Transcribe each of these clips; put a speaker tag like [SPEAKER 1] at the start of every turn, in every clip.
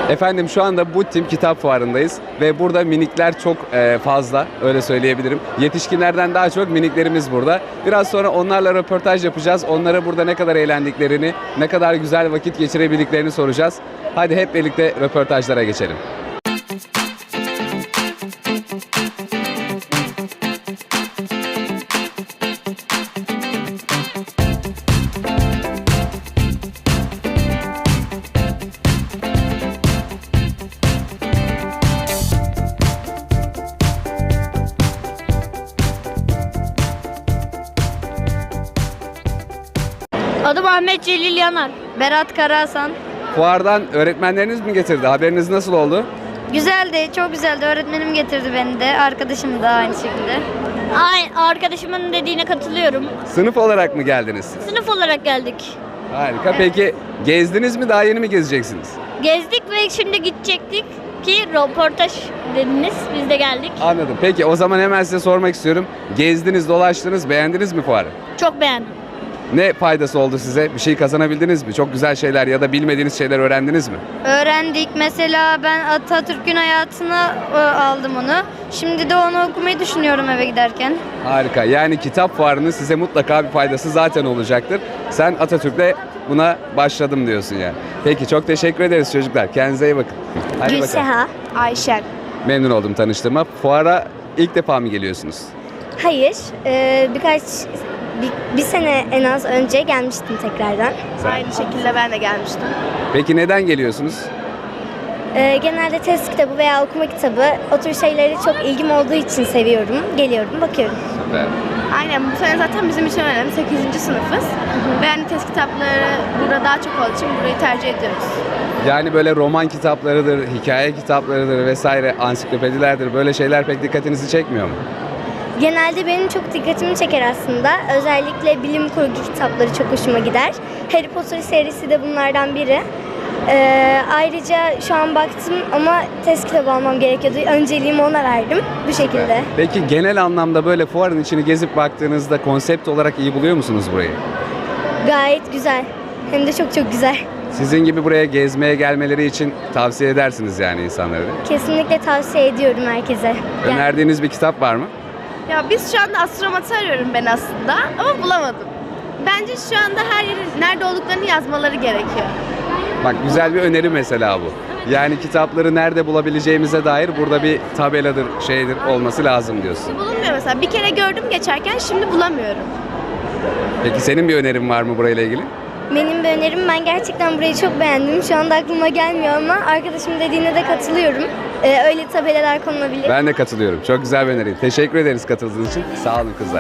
[SPEAKER 1] Efendim şu anda Butim Kitap Fuarı'ndayız ve burada minikler çok fazla, öyle söyleyebilirim. Yetişkinlerden daha çok miniklerimiz burada. Biraz sonra onlarla röportaj yapacağız. Onlara burada ne kadar eğlendiklerini, ne kadar güzel vakit geçirebildiklerini soracağız. Hadi hep birlikte röportajlara geçelim.
[SPEAKER 2] Adım Ahmet Celil Yanar. Berat Karahasan.
[SPEAKER 1] Fuardan öğretmenleriniz mi getirdi? Haberiniz nasıl oldu?
[SPEAKER 2] Güzeldi, çok güzeldi. Öğretmenim getirdi beni de. Arkadaşım da aynı şekilde. Arkadaşımın dediğine katılıyorum.
[SPEAKER 1] Sınıf olarak mı geldiniz siz?
[SPEAKER 2] Sınıf olarak geldik.
[SPEAKER 1] Harika. Peki gezdiniz mi? Daha yeni mi gezeceksiniz?
[SPEAKER 2] Gezdik ve şimdi gidecektik ki röportaj dediniz. Biz de geldik.
[SPEAKER 1] Anladım. Peki o zaman hemen size sormak istiyorum. Gezdiniz, dolaştınız, beğendiniz mi fuarı?
[SPEAKER 2] Çok beğendim.
[SPEAKER 1] Ne faydası oldu size? Bir şey kazanabildiniz mi? Çok güzel şeyler ya da bilmediğiniz şeyler öğrendiniz mi?
[SPEAKER 2] Öğrendik. Mesela ben Atatürk'ün hayatını aldım onu. Şimdi de onu okumayı düşünüyorum eve giderken.
[SPEAKER 1] Harika. Yani kitap fuarının size mutlaka bir faydası zaten olacaktır. Sen Atatürk'le buna başladım diyorsun yani. Peki çok teşekkür ederiz çocuklar. Kendinize iyi bakın. Hadi bakalım.
[SPEAKER 3] Gülseha, Ayşen.
[SPEAKER 1] Memnun oldum tanıştığıma. Fuara ilk defa mı geliyorsunuz?
[SPEAKER 3] Hayır, bir sene en az önce gelmiştim tekrardan.
[SPEAKER 4] Aynı şekilde ben de gelmiştim.
[SPEAKER 1] Peki neden geliyorsunuz?
[SPEAKER 3] Genelde test kitabı veya okuma kitabı, o tür şeylere çok ilgim olduğu için seviyorum. Geliyorum, bakıyorum.
[SPEAKER 1] Süper.
[SPEAKER 4] Aynen bu sene zaten bizim için önemli. 8. sınıfız. Ve yani test kitapları burada daha çok olduğu için burayı tercih ediyoruz.
[SPEAKER 1] Yani böyle roman kitaplarıdır, hikaye kitaplarıdır vesaire, ansiklopedilerdir. Böyle şeyler pek dikkatinizi çekmiyor mu?
[SPEAKER 3] Genelde benim çok dikkatimi çeker aslında. Özellikle bilim kurgu kitapları çok hoşuma gider. Harry Potter serisi de bunlardan biri. Ayrıca şu an baktım ama test kitabı almam gerekiyordu. Önceliğimi ona verdim bu şekilde.
[SPEAKER 1] Peki genel anlamda böyle fuarın içini gezip baktığınızda konsept olarak iyi buluyor musunuz burayı?
[SPEAKER 3] Gayet güzel. Hem de çok çok güzel.
[SPEAKER 1] Sizin gibi buraya gezmeye gelmeleri için tavsiye edersiniz yani insanlara değil mi?
[SPEAKER 3] Kesinlikle tavsiye ediyorum herkese.
[SPEAKER 1] Önerdiğiniz bir kitap var mı?
[SPEAKER 4] Ya biz şu anda astromatı arıyorum ben aslında ama bulamadım. Bence şu anda her yerin nerede olduklarını yazmaları gerekiyor.
[SPEAKER 1] Bak güzel bir öneri mesela bu. Yani kitapları nerede bulabileceğimize dair burada bir tabeladır, şeydir olması lazım diyorsun.
[SPEAKER 4] Bulunmuyor mesela. Bir kere gördüm geçerken şimdi bulamıyorum.
[SPEAKER 1] Peki senin bir önerin var mı burayla ilgili?
[SPEAKER 3] Benim bir önerim, ben gerçekten burayı çok beğendim. Şu anda aklıma gelmiyor ama arkadaşım dediğine de katılıyorum. Öyle tabelalar konulabilir.
[SPEAKER 1] Ben de katılıyorum. Çok güzel bir öneri. Teşekkür ederiz katıldığınız için. Sağ olun kızlar.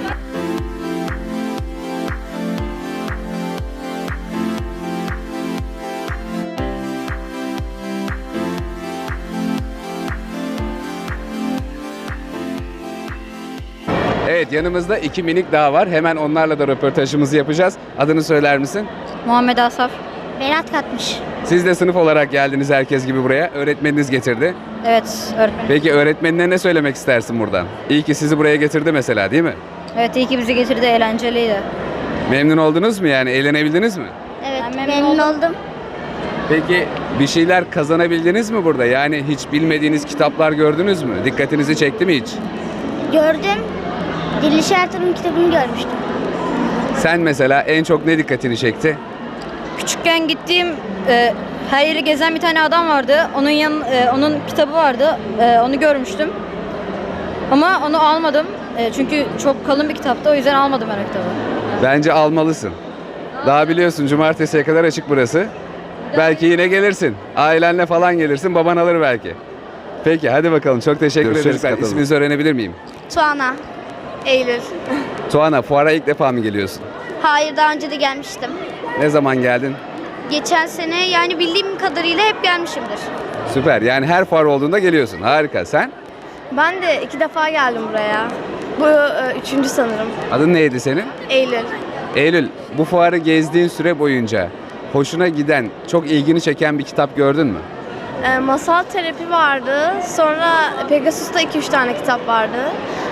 [SPEAKER 1] Evet, yanımızda iki minik daha var. Hemen onlarla da röportajımızı yapacağız. Adını söyler misin?
[SPEAKER 2] Muhammed Asaf.
[SPEAKER 3] Berat katmış.
[SPEAKER 1] Siz de sınıf olarak geldiniz herkes gibi buraya. Öğretmeniniz getirdi.
[SPEAKER 2] Evet, öğretmenim.
[SPEAKER 1] Peki öğretmenine ne söylemek istersin buradan? İyi ki sizi buraya getirdi mesela, değil mi?
[SPEAKER 2] Evet, iyi ki bizi getirdi. Eğlenceliydi.
[SPEAKER 1] Memnun oldunuz mu yani? Eğlenebildiniz mi?
[SPEAKER 3] Evet,
[SPEAKER 2] Ben memnun
[SPEAKER 3] oldum.
[SPEAKER 1] Peki bir şeyler kazanabildiniz mi burada? Yani hiç bilmediğiniz kitaplar gördünüz mü? Dikkatinizi çekti mi hiç?
[SPEAKER 3] Gördüm. Diriliş Ertuğrul'un kitabını görmüştüm.
[SPEAKER 1] Sen mesela en çok ne dikkatini çekti?
[SPEAKER 2] Küçükken gittiğim her yeri gezen bir tane adam vardı. Onun kitabı vardı. Onu görmüştüm. Ama onu almadım. Çünkü çok kalın bir kitaptı. O yüzden almadım ben o kitabı.
[SPEAKER 1] Bence almalısın. Daha biliyorsun cumartesiye kadar açık burası. Belki yine gelirsin. Ailenle falan gelirsin. Baban alır belki. Peki hadi bakalım. Çok teşekkür ederiz. İsminizi öğrenebilir miyim?
[SPEAKER 4] Tuana. Eylül.
[SPEAKER 1] Tuana, fuara ilk defa mı geliyorsun?
[SPEAKER 4] Hayır, daha önce de gelmiştim.
[SPEAKER 1] Ne zaman geldin?
[SPEAKER 4] Geçen sene, yani bildiğim kadarıyla hep gelmişimdir.
[SPEAKER 1] Süper. Yani her fuar olduğunda geliyorsun. Harika. Sen?
[SPEAKER 4] Ben de 2 defa geldim buraya. Bu 3. sanırım.
[SPEAKER 1] Adın neydi senin?
[SPEAKER 4] Eylül.
[SPEAKER 1] Eylül, bu fuarı gezdiğin süre boyunca hoşuna giden, çok ilgini çeken bir kitap gördün mü?
[SPEAKER 4] Masal terapi vardı. Sonra Pegasus'ta 2-3 tane kitap vardı.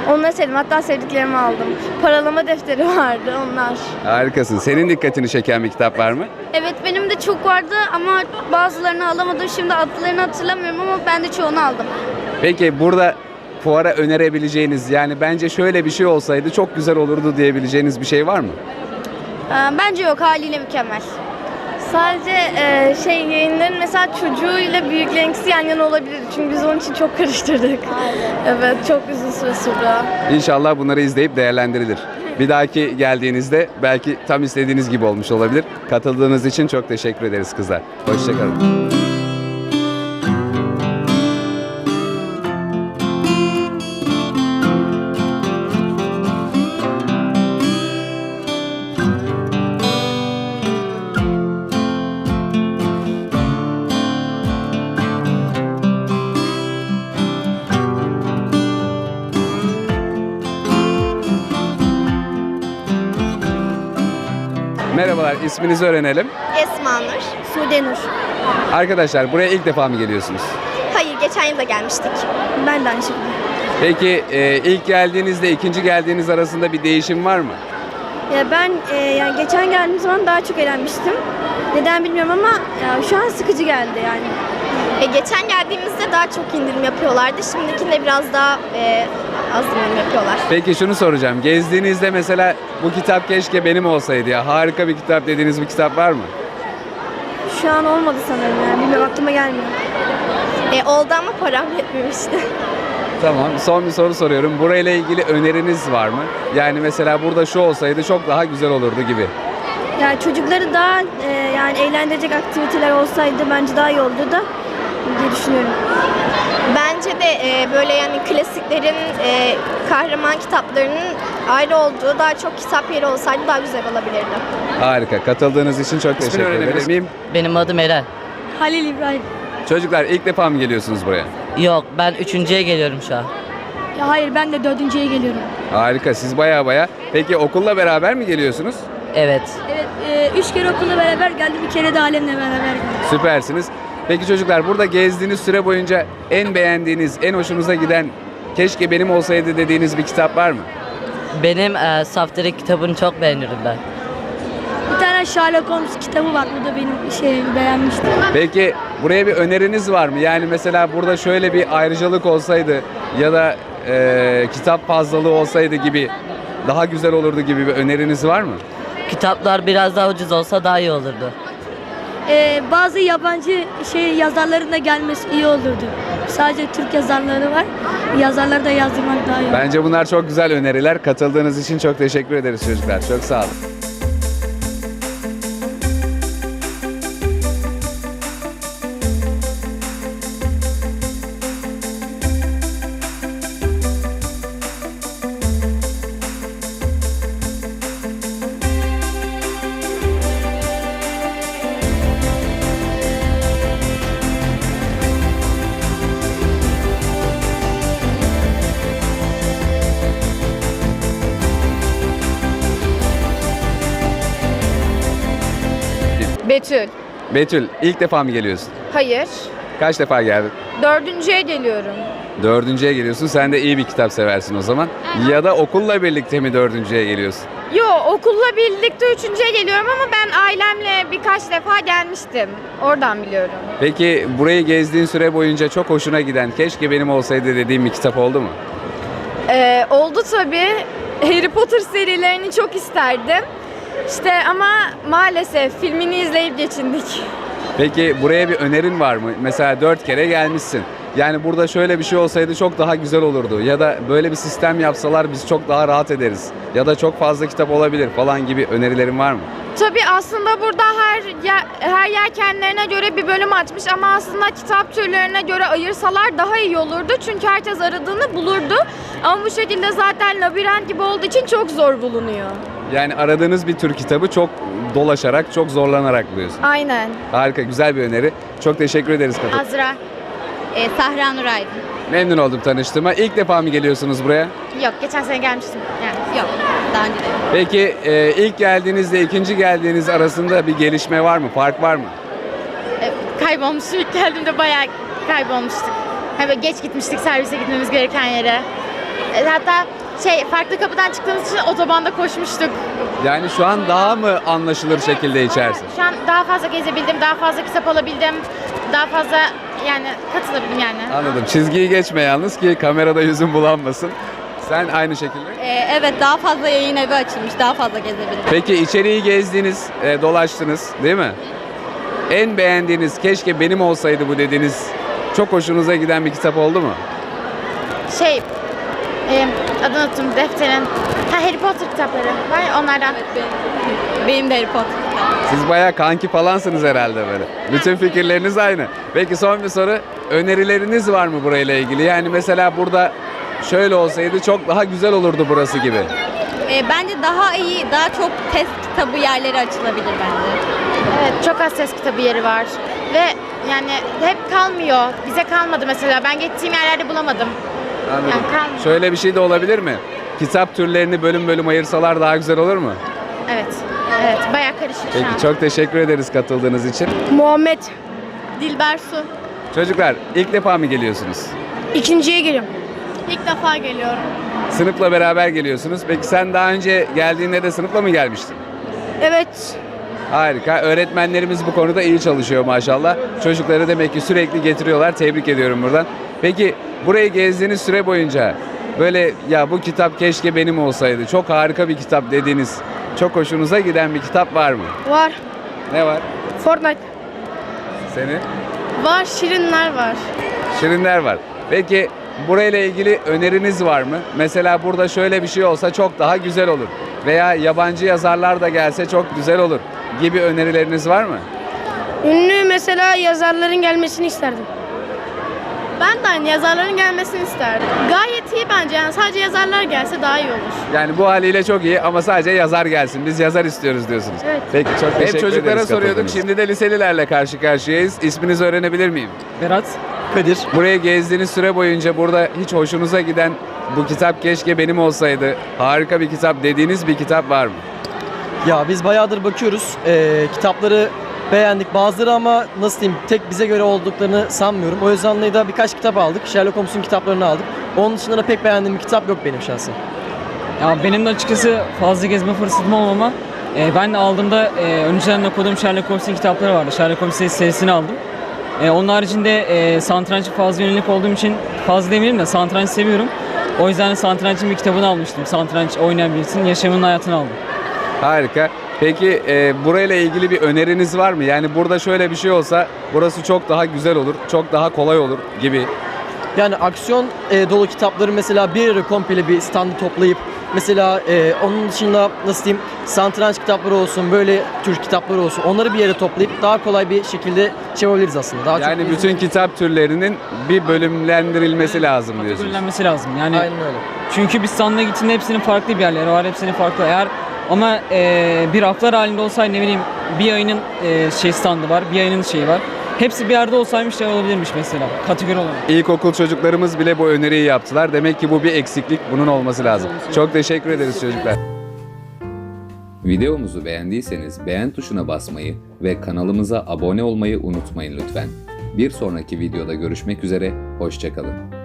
[SPEAKER 4] Onları sevdim. Hatta sevdiklerimi aldım. Paralama defteri vardı onlar.
[SPEAKER 1] Harikasın. Senin dikkatini çeken bir kitap var mı?
[SPEAKER 3] Evet benim de çok vardı ama bazılarını alamadım. Şimdi adlarını hatırlamıyorum ama ben de çoğunu aldım.
[SPEAKER 1] Peki burada fuara önerebileceğiniz, yani bence şöyle bir şey olsaydı çok güzel olurdu diyebileceğiniz bir şey var mı?
[SPEAKER 3] Bence yok, haliyle mükemmel.
[SPEAKER 4] Sadece yayınların mesela çocuğuyla büyüklerinkisi yan yana olabilir. Çünkü biz onun için çok karıştırdık. Evet, çok uzun süre sürdü.
[SPEAKER 1] İnşallah bunları izleyip değerlendirilir. Bir dahaki geldiğinizde belki tam istediğiniz gibi olmuş olabilir. Katıldığınız için çok teşekkür ederiz kızlar. Hoşçakalın. Merhabalar, isminizi öğrenelim.
[SPEAKER 3] Esma Nur. Sude Nur.
[SPEAKER 1] Arkadaşlar buraya ilk defa mı geliyorsunuz?
[SPEAKER 3] Hayır, geçen yıl da gelmiştik.
[SPEAKER 4] Ben de aynı şekilde.
[SPEAKER 1] Peki ilk geldiğinizle ikinci geldiğiniz arasında bir değişim var mı?
[SPEAKER 4] Ya ben yani geçen geldiğim zaman daha çok eğlenmiştim. Neden bilmiyorum ama ya şu an sıkıcı geldi yani.
[SPEAKER 3] Geçen geldiğimizde daha çok indirim yapıyorlardı. Şimdikinde biraz daha az indirim yapıyorlar.
[SPEAKER 1] Peki şunu soracağım. Gezdiğinizde mesela bu kitap keşke benim olsaydı ya. Harika bir kitap dediğiniz bir kitap var mı?
[SPEAKER 4] Şu an olmadı sanırım yani. Bilmiyorum, aklıma gelmiyor.
[SPEAKER 3] Oldu ama param yetmemişti.
[SPEAKER 1] Tamam. Son bir soru soruyorum. Burayla ilgili öneriniz var mı? Yani mesela burada şu olsaydı çok daha güzel olurdu gibi.
[SPEAKER 4] Yani çocukları daha yani eğlendirecek aktiviteler olsaydı bence daha iyi olurdu da diye düşünüyorum.
[SPEAKER 3] Bence de böyle yani klasiklerin, kahraman kitaplarının ayrı olduğu daha çok kitap yeri olsaydı daha güzel olabilirdi.
[SPEAKER 1] Harika. Katıldığınız için çok teşekkür ederim.
[SPEAKER 5] Benim adım Eren.
[SPEAKER 4] Halil İbrahim.
[SPEAKER 1] Çocuklar ilk defa mı geliyorsunuz buraya?
[SPEAKER 5] Yok, ben üçüncüye geliyorum şu an.
[SPEAKER 4] Ya hayır, ben de 4.'ye geliyorum.
[SPEAKER 1] Harika. Siz baya. Peki okulla beraber mi geliyorsunuz?
[SPEAKER 5] Evet.
[SPEAKER 4] Evet, 3 kere okulla beraber geldim, bir kere de ailemle beraber geldim.
[SPEAKER 1] Süpersiniz. Peki çocuklar burada gezdiğiniz süre boyunca en beğendiğiniz, en hoşunuza giden, keşke benim olsaydı dediğiniz bir kitap var mı?
[SPEAKER 5] Benim Saftirik kitabını çok beğenirim ben.
[SPEAKER 4] Bir tane Sherlock Holmes kitabı var, bu da benim beğenmiştim.
[SPEAKER 1] Peki buraya bir öneriniz var mı? Yani mesela burada şöyle bir ayrıcalık olsaydı ya da kitap fazlalığı olsaydı gibi daha güzel olurdu gibi bir öneriniz var mı?
[SPEAKER 5] Kitaplar biraz daha ucuz olsa daha iyi olurdu.
[SPEAKER 4] Bazı yabancı yazarların da gelmesi iyi olurdu. Sadece Türk yazarları var. Yazarları da yazdırmak daha iyi olur.
[SPEAKER 1] Bence bunlar çok güzel öneriler. Katıldığınız için çok teşekkür ederiz çocuklar. Çok sağ olun.
[SPEAKER 6] Betül.
[SPEAKER 1] Betül ilk defa mı geliyorsun?
[SPEAKER 6] Hayır.
[SPEAKER 1] Kaç defa geldin?
[SPEAKER 6] 4.'ye geliyorum.
[SPEAKER 1] Dördüncüye geliyorsun. Sen de iyi bir kitap seversin o zaman. Ya da okulla birlikte mi dördüncüye geliyorsun?
[SPEAKER 6] Yo, okulla birlikte 3.'ye geliyorum ama ben ailemle birkaç defa gelmiştim. Oradan biliyorum.
[SPEAKER 1] Peki burayı gezdiğin süre boyunca çok hoşuna giden, keşke benim olsaydı dediğin bir kitap oldu mu?
[SPEAKER 6] Oldu tabii. Harry Potter serilerini çok isterdim. İşte ama maalesef filmini izleyip geçindik.
[SPEAKER 1] Peki buraya bir önerin var mı? Mesela 4 kere gelmişsin. Yani burada şöyle bir şey olsaydı çok daha güzel olurdu. Ya da böyle bir sistem yapsalar biz çok daha rahat ederiz. Ya da çok fazla kitap olabilir falan gibi önerilerin var mı?
[SPEAKER 6] Tabii aslında burada her yer kendilerine göre bir bölüm açmış ama aslında kitap türlerine göre ayırsalar daha iyi olurdu. Çünkü herkes aradığını bulurdu. Ama bu şekilde zaten labirent gibi olduğu için çok zor bulunuyor.
[SPEAKER 1] Yani aradığınız bir tür kitabı çok dolaşarak, çok zorlanarak buluyorsun.
[SPEAKER 6] Aynen.
[SPEAKER 1] Harika, güzel bir öneri. Çok teşekkür ederiz Katıl.
[SPEAKER 2] Azra. Sahra Nur Aydın.
[SPEAKER 1] Memnun oldum tanıştığıma. İlk defa mı geliyorsunuz buraya?
[SPEAKER 6] Yok, geçen sene gelmiştim. Yani.
[SPEAKER 2] Yok, daha önce de.
[SPEAKER 1] Peki ilk geldiğinizle ikinci geldiğiniz arasında bir gelişme var mı? Fark var mı?
[SPEAKER 6] Kaybolmuştuk. İlk geldiğimde bayağı kaybolmuştuk. Hani böyle geç gitmiştik servise gitmemiz gereken yere. Hatta farklı kapıdan çıktığımız için otobanda koşmuştuk.
[SPEAKER 1] Yani şu an daha mı anlaşılır şekilde içersin?
[SPEAKER 6] Şu an daha fazla gezebildim, daha fazla kitap alabildim, daha fazla yani katılabildim yani.
[SPEAKER 1] Anladım. Çizgiyi geçme yalnız ki kamerada yüzün bulanmasın. Sen aynı şekilde.
[SPEAKER 2] Evet, daha fazla yayın evi açılmış. Daha fazla gezebildim.
[SPEAKER 1] Peki içeriği gezdiniz, dolaştınız değil mi? En beğendiğiniz, keşke benim olsaydı bu dediğiniz, çok hoşunuza giden bir kitap oldu mu?
[SPEAKER 6] Adını unuttum defterin. Harry Potter kitapları var ya, onlardan.
[SPEAKER 2] Benim de Harry Potter.
[SPEAKER 1] Siz bayağı kanki falansınız herhalde böyle. Bütün fikirleriniz aynı. Peki son bir soru. Önerileriniz var mı burayla ilgili? Yani mesela burada şöyle olsaydı çok daha güzel olurdu burası gibi.
[SPEAKER 2] Bence daha iyi, daha çok test kitabı yerleri açılabilir bence.
[SPEAKER 6] Evet, çok az ses kitabı yeri var. Ve yani hep kalmıyor. Bize kalmadı mesela. Ben gittiğim yerlerde bulamadım.
[SPEAKER 1] Anladım.
[SPEAKER 6] Yani kalmıyor.
[SPEAKER 1] Şöyle bir şey de olabilir mi? Kitap türlerini bölüm bölüm ayırsalar daha güzel olur mu?
[SPEAKER 6] Evet. Evet, bayağı karışık şu an.
[SPEAKER 1] Peki çok teşekkür ederiz katıldığınız için.
[SPEAKER 3] Muhammed.
[SPEAKER 6] Dilber Su.
[SPEAKER 1] Çocuklar ilk defa mı geliyorsunuz?
[SPEAKER 3] İkinciye geliyorum.
[SPEAKER 6] İlk defa geliyorum.
[SPEAKER 1] Sınıfla beraber geliyorsunuz. Peki sen daha önce geldiğinde de sınıfla mı gelmiştin?
[SPEAKER 3] Evet.
[SPEAKER 1] Harika. Öğretmenlerimiz bu konuda iyi çalışıyor maşallah. Çocukları demek ki sürekli getiriyorlar. Tebrik ediyorum buradan. Peki burayı gezdiğiniz süre boyunca böyle ya bu kitap keşke benim olsaydı, çok harika bir kitap dediğiniz, çok hoşunuza giden bir kitap var mı?
[SPEAKER 3] Var.
[SPEAKER 1] Ne var?
[SPEAKER 3] Fortnite.
[SPEAKER 1] Senin?
[SPEAKER 6] Var, Şirinler var.
[SPEAKER 1] Şirinler var. Peki burayla ilgili öneriniz var mı? Mesela burada şöyle bir şey olsa çok daha güzel olur. Veya yabancı yazarlar da gelse çok güzel olur gibi önerileriniz var mı?
[SPEAKER 3] Ünlü mesela yazarların gelmesini isterdim.
[SPEAKER 6] Ben de aynı yazarların gelmesini isterdim. Gayet iyi bence, yani sadece yazarlar gelse daha iyi olur.
[SPEAKER 1] Yani bu haliyle çok iyi ama sadece yazar gelsin. Biz yazar istiyoruz diyorsunuz.
[SPEAKER 6] Evet.
[SPEAKER 1] Peki çok teşekkür ederiz. Hep çocuklara soruyorduk.
[SPEAKER 7] katıldığınız için.
[SPEAKER 1] Şimdi de liselilerle karşı karşıyayız. İsminizi öğrenebilir miyim?
[SPEAKER 7] Berat, Kadir.
[SPEAKER 1] Buraya gezdiğiniz süre boyunca burada hiç hoşunuza giden bu kitap keşke benim olsaydı, harika bir kitap dediğiniz bir kitap var mı?
[SPEAKER 7] Ya biz bayağıdır bakıyoruz. Kitapları beğendik. Bazıları ama nasıl diyeyim tek bize göre olduklarını sanmıyorum. O yüzden de birkaç kitap aldık. Sherlock Holmes'un kitaplarını aldık. Onun dışında da pek beğendiğim bir kitap yok benim şahsen.
[SPEAKER 8] Ya benim de açıkçası fazla gezme fırsatım olmama. Ben de aldığımda önceden okuduğum Sherlock Holmes'un kitapları vardı. Sherlock Holmes serisini aldım. Onun haricinde satrançı fazla yönelik olduğum için fazla demeyelim de satranç seviyorum. O yüzden satrançın bir kitabını almıştım. Satranç oynayan birisinin yaşamının hayatını aldım.
[SPEAKER 1] Harika. Peki burayla ilgili bir öneriniz var mı? Yani burada şöyle bir şey olsa burası çok daha güzel olur, çok daha kolay olur gibi.
[SPEAKER 7] Yani aksiyon dolu kitapları mesela bir yere komple bir standı toplayıp mesela onun dışında nasıl diyeyim satranç kitapları olsun, böyle tür kitapları olsun, onları bir yere toplayıp daha kolay bir şekilde şey yapabiliriz aslında. Daha
[SPEAKER 1] Yani
[SPEAKER 7] çok
[SPEAKER 1] bütün kitap türlerinin bir bölümlendirilmesi lazım diyorsunuz.
[SPEAKER 8] Kategorilenmesi lazım. Yani
[SPEAKER 7] Aynen öyle.
[SPEAKER 8] çünkü biz standına gittiğinde hepsinin farklı bir yerleri var. Hepsinin farklı. Eğer ama bir raflar halinde olsaydı ne bileyim bir ayının standı var, bir ayının şeyi var. Hepsi bir yerde olsaymış şey olabilirmiş mesela kategori olarak.
[SPEAKER 1] İlkokul çocuklarımız bile bu öneriyi yaptılar. Demek ki bu bir eksiklik, bunun olması lazım. Çok teşekkür ederiz çocuklar.
[SPEAKER 9] Videomuzu beğendiyseniz beğen tuşuna basmayı ve kanalımıza abone olmayı unutmayın lütfen. Bir sonraki videoda görüşmek üzere, hoşça kalın.